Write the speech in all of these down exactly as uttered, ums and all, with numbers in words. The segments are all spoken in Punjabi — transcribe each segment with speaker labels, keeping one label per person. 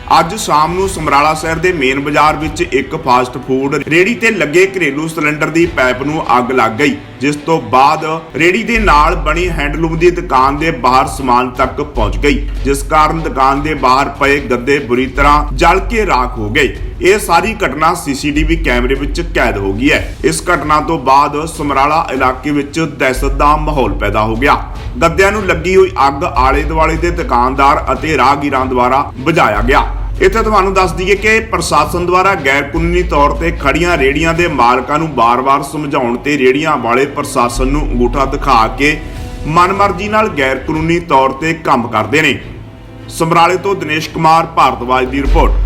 Speaker 1: ਅੱਜ ਸ਼ਾਮ ਨੂੰ ਸਮਰਾਲਾ शहर के मेन बाजार विच एक फास्ट फूड रेहड़ी ते लगे घरेलू सिलेंडर की पाइप नूं अग लग गई, जिस तो बाद रेहड़ी दे नाल बनी हैंडलूम की दुकान के बाहर समान तक पहुंच गई, जिस कारण दुकान के बाहर पे गद्दे बुरी तरह जल के राख हो गए। यह सारी घटना सीसीटीवी कैमरे विच कैद हो गई है। इस घटना तो बाद समराला इलाके विच दहशत का माहौल पैदा हो गया। गद्दियां नूं लगी हुई अग आले दुआले दे दुकानदार अते राहगीरां द्वारा बुझाया गया। इत्थे तुहानूं दस दईए कि प्रशासन द्वारा गैर कानूनी तौर ते खड़ियां रेहड़ियां दे मालकां नूं बार-बार समझाउण ते रेहड़ियां वाले प्रशासन नूं अंगूठा दिखा के मनमर्जी नाल गैर कानूनी तौर ते काम करदे ने। समराले तो दिनेश कुमार भारद्वाज की रिपोर्ट।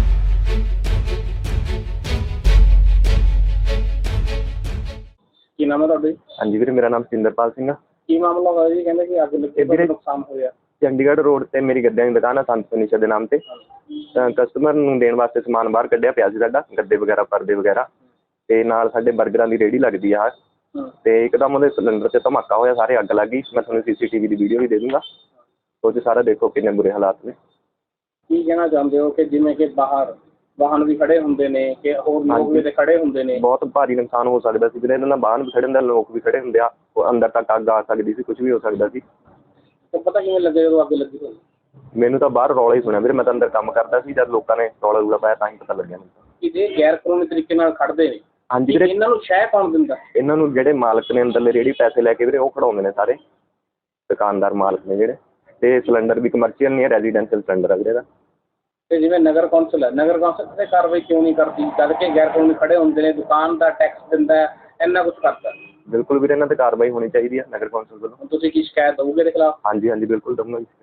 Speaker 2: ਕੀ ਨਾਮ ਹੈ ਤੁਹਾਡਾ?
Speaker 3: ਹਾਂਜੀ ਵੀਰੇ, ਮੇਰਾ ਨਾਮ ਸਿੰਦਰਪਾਲ ਸਿੰਘ ਆ।
Speaker 2: ਕੀ ਮਾਮਲਾ ਹੋਇਆ ਜੀ? ਕਹਿੰਦੇ ਕਿ ਅੱਗ ਲੱਗੀ ਤੇ ਨੁਕਸਾਨ ਹੋਇਆ।
Speaker 3: ਚੰਡੀਗੜ੍ਹ ਰੋਡ ਤੇ ਮੇਰੀ ਗੱਦਿਆਂ ਦੀ ਦੁਕਾਨ ਆ ਸੰਤ ਫਰਨੀਚਰ ਦੇ ਨਾਮ ਤੇ। ਕਸਟਮਰ ਨੂੰ ਦੇਣ ਵਾਸਤੇ ਸਮਾਨ ਬਾਹਰ ਕੱਢਿਆ ਪਿਆ ਸੀ ਸਾਡਾ, ਗੱਦੇ ਵਗੈਰਾ ਪਰਦੇ ਵਗੈਰਾ, ਤੇ ਨਾਲ ਸਾਡੇ ਬਰਗਰਾਂ ਦੀ ਰੇਹੜੀ ਲੱਗਦੀ ਆ। ਤੇ ਇੱਕਦਮ ਉਹਦੇ ਸਿਲੰਡਰ 'ਚ ਧਮਾਕਾ ਹੋਇਆ, ਸਾਰੇ ਅੱਗ ਲੱਗ ਗਈ। ਮੈਂ ਤੁਹਾਨੂੰ ਸੀਸੀਟੀਵੀ ਦੀ ਵੀਡੀਓ ਵੀ ਦੇ ਦੂੰਗਾ, ਉਹ 'ਚ ਸਾਰਾ ਦੇਖੋ ਕਿੰਨੇ ਬੁਰੇ ਹਾਲਾਤ ਨੇ।
Speaker 2: ਕੀ ਕਹਿਣਾ ਚਾਹੁੰਦੇ ਹੋ ਕਿ ਜਿਵੇਂ ਕਿ ਬਾਹਰ ਵਾਹਨ ਵੀ ਖੜੇ ਹੁੰਦੇ ਨੇ ਕਿ ਹੋਰ ਲੋਕ ਵੀ ਖੜੇ ਹੁੰਦੇ ਨੇ,
Speaker 3: ਬਹੁਤ ਭਾਰੀ ਨੁਕਸਾਨ ਹੋ ਸਕਦਾ ਸੀ ਵੀਰੇ। ਇਹਨਾਂ ਨਾਲ ਵਾਹਨ ਵੀ ਖੜੇ ਹੁੰਦੇ, ਲੋਕ ਵੀ ਖੜੇ ਹੁੰਦੇ ਆ, ਉਹ ਅੰਦਰ ਤੱਕ ਅੱਗ ਆ ਸਕਦੀ ਸੀ, ਕੁਝ ਵੀ ਹੋ ਸਕਦਾ ਸੀ।
Speaker 2: ਤੇ ਪਤਾ ਕਿਵੇਂ ਲੱਗਿਆ ਜਦੋਂ ਅੱਗ ਲੱਗੀ ਹੋਈ?
Speaker 3: ਮੈਨੂੰ ਤਾਂ ਬਾਹਰ ਰੌਲਾ ਹੀ ਸੁਣਿਆ ਵੀਰੇ, ਮੈਂ ਤਾਂ ਅੰਦਰ ਕੰਮ ਕਰਦਾ ਸੀ। ਜਦ ਲੋਕਾਂ ਨੇ ਰੌਲਾ ਰੂਲਾ ਪਾਇਆ ਤਾਂ ਹੀ ਪਤਾ ਲੱਗਿਆ ਮੈਨੂੰ।
Speaker 2: ਕਿ ਜੇ ਗੈਰ ਕਾਨੂੰਨੀ ਤਰੀਕੇ ਨਾਲ ਖੜਦੇ ਨੇ,
Speaker 3: ਹਾਂਜੀ ਵੀਰੇ,
Speaker 2: ਇਹਨਾਂ ਨੂੰ ਸ਼ਹਿ ਕੌਣ ਦਿੰਦਾ?
Speaker 3: ਇਹਨਾਂ ਨੂੰ ਜਿਹੜੇ ਮਾਲਕ ਨੇ ਅੰਦਰਲੇ ਰੇਹੜੀ ਪੈਸੇ ਲੈ ਕੇ ਵੀਰੇ ਉਹ ਖੜਾਉਂਦੇ ਨੇ ਸਾਰੇ ਦੁਕਾਨਦਾਰ ਮਾਲਕ ਨੇ ਜਿਹੜੇ। ਤੇ ਸਿਲੰਡਰ ਵੀ ਕਮਰਸ਼ੀਅਲ ਨਹੀਂ ਹੈ, ਰੈਜ਼ੀਡੈਂਸ਼ੀਅਲ ਸਿਲੰਡਰ ਹੈ ਵੀਰੇ ਦਾ।
Speaker 2: ਤੇ ਜਿਵੇਂ ਨਗਰ ਕੌਂਸਲ ਹੈ, ਨਗਰ ਕੌਂਸਲ ਤੇ ਕਾਰਵਾਈ ਕਿਉਂ ਨਹੀਂ ਕਰਦੀ? ਜਦ ਕਿ ਗੈਰ ਕਾਨੂੰਨੀ ਖੜੇ ਹੁੰਦੇ ਨੇ, ਦੁਕਾਨ ਦਾ ਟੈਕਸ ਦਿੰਦਾ ਹੈ, ਇੰਨਾ ਕੁਛ ਕਰਦਾ।
Speaker 3: ਬਿਲਕੁਲ ਵੀਰੇ, ਇਹਨਾਂ ਤੇ ਕਾਰਵਾਈ ਹੋਣੀ ਚਾਹੀਦੀ ਹੈ ਨਗਰ ਕੌਂਸਲ ਵੱਲੋਂ।
Speaker 2: ਤੁਸੀਂ ਕੀ ਸ਼ਿਕਾਇਤ ਦਓਗੇ ਦੇ ਖਿਲਾਫ?
Speaker 3: ਹਾਂਜੀ ਹਾਂਜੀ ਬਿਲਕੁਲ ਦਊਂਗਾ ਜੀ।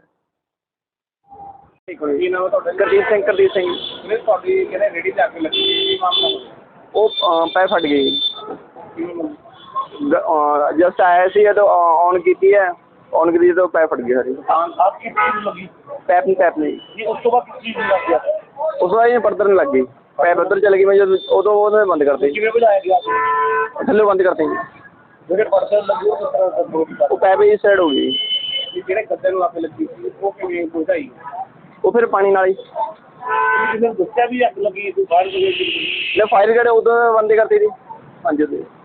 Speaker 2: ਕੀ ਨਾਮ ਹੈ ਤੁਹਾਡਾ?
Speaker 4: ਗੁਰਦੀਪ ਸਿੰਘ ਗੁਰਦੀਪ ਸਿੰਘ
Speaker 2: ਵੀਰੇ ਤੁਹਾਡੀ ਕਹਿੰਦੇ ਰੇਹੜੀ ਤੇ ਅੱਗ ਲੱਗੀ, ਕੀ ਮਾਮਲਾ ਹੋਇਆ?
Speaker 4: ਉਹ ਪੈ ਫਟ ਗਈ।
Speaker 2: ਕਿਵੇਂ
Speaker 4: ਜਸਟ ਆਇਆ ਸੀ ਜਦੋਂ ਔਨ ਕੀਤੀ ਹੈ, ਔਨ ਕੀਤੀ ਜਦੋਂ ਪੈ ਫਟ ਗਈ ਸਾਰੀ।
Speaker 2: ਹਾਂ, ਆਪ ਕੀ ਚੀਜ਼ ਲੱਗੀ?
Speaker 4: ਪੈਪ ਨਹੀਂ ਪੈਪ ਨਹੀਂ
Speaker 2: ਜੀ ਉਸ ਤੋਂ ਬਾਅਦ ਕਿਸ ਚੀਜ਼ ਨੂੰ ਲੱਗ ਗਿਆ?
Speaker 4: ਉਸ ਤੋਂ ਬਾਅਦ ਇਹ ਪਰਦਰ ਨਹੀਂ ਲੱਗ ਗਈ, ਪੈਪ ਉੱਧਰ ਚਲ ਗਈ। ਮੈਂ ਜਦੋਂ ਉਦੋਂ ਉਹਨੇ ਬੰਦ ਕਰਤੇ,
Speaker 2: ਕਿਵੇਂ ਬੁਝਾਇਆ ਗਿਆ?
Speaker 4: ਥੱਲੇ ਬੰਦ ਕਰਤੇ ਜੀ।
Speaker 2: ਜਿਹੜੇ ਪਰਸਨ ਲੱਗੀ ਉਹ ਕਿਸ ਤਰ੍ਹਾਂ ਕੰਟਰੋਲ ਕੀਤਾ?
Speaker 4: ਉਹ ਪੈਪ ਇਸ ਸਾਈਡ ਹੋ ਗਈ।
Speaker 2: ਜਿਹੜੇ ਗੱਦੇ ਨੂੰ ਅੱਗ ਲੱਗੀ ਸੀ ਉਹ ਕਿਵੇਂ ਬੁਝਾਈ?
Speaker 4: ਉਹ ਫਿਰ ਪਾਣੀ ਨਾਲ ਹੀ
Speaker 2: ਕਿਸੇ ਨੂੰ ਦੱਸਿਆ ਵੀ ਅੱਗ ਲੱਗੀ ਤੂੰ ਬਾਹਰ ਗਏ?
Speaker 4: ਲੈ ਫਾਇਰ ਗੜੇ ਉਦੋਂ ਬੰਦ ਕਰਤੀ ਸੀ। ਹਾਂਜੀ ਉਹਦੇ